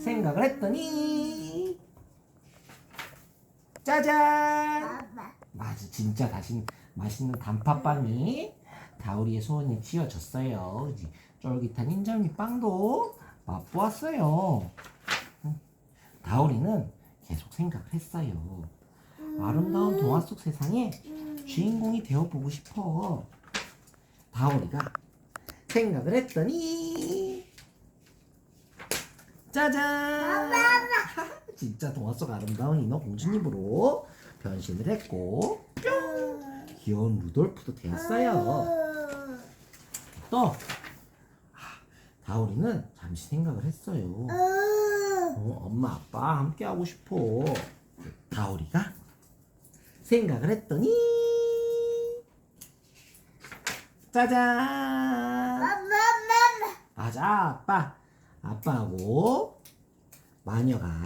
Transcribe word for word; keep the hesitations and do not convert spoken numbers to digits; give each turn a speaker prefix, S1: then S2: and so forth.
S1: 생각을 했더니 짜잔! 맞아, 진짜 다시 맛있는 단팥빵이 다우리의 소원이 지어졌어요. 그치? 쫄깃한 인절미 빵도 맛보았어요. 다우리는 계속 생각을 했어요. 아름다운 동화 속 세상에 주인공이 되어보고 싶어. 다오리가 생각을 했더니 짜잔! 진짜 동화 속 아름다운 인어 공주님으로 변신을 했고 뿅! 귀여운 루돌프도 되었어요. 또 아, 다오리는 잠시 생각을 했어요. 어, 엄마 아빠 함께 하고 싶어. 다오리가 생각을 했더니 짜잔! 맞아, 아빠 아빠하고 마녀가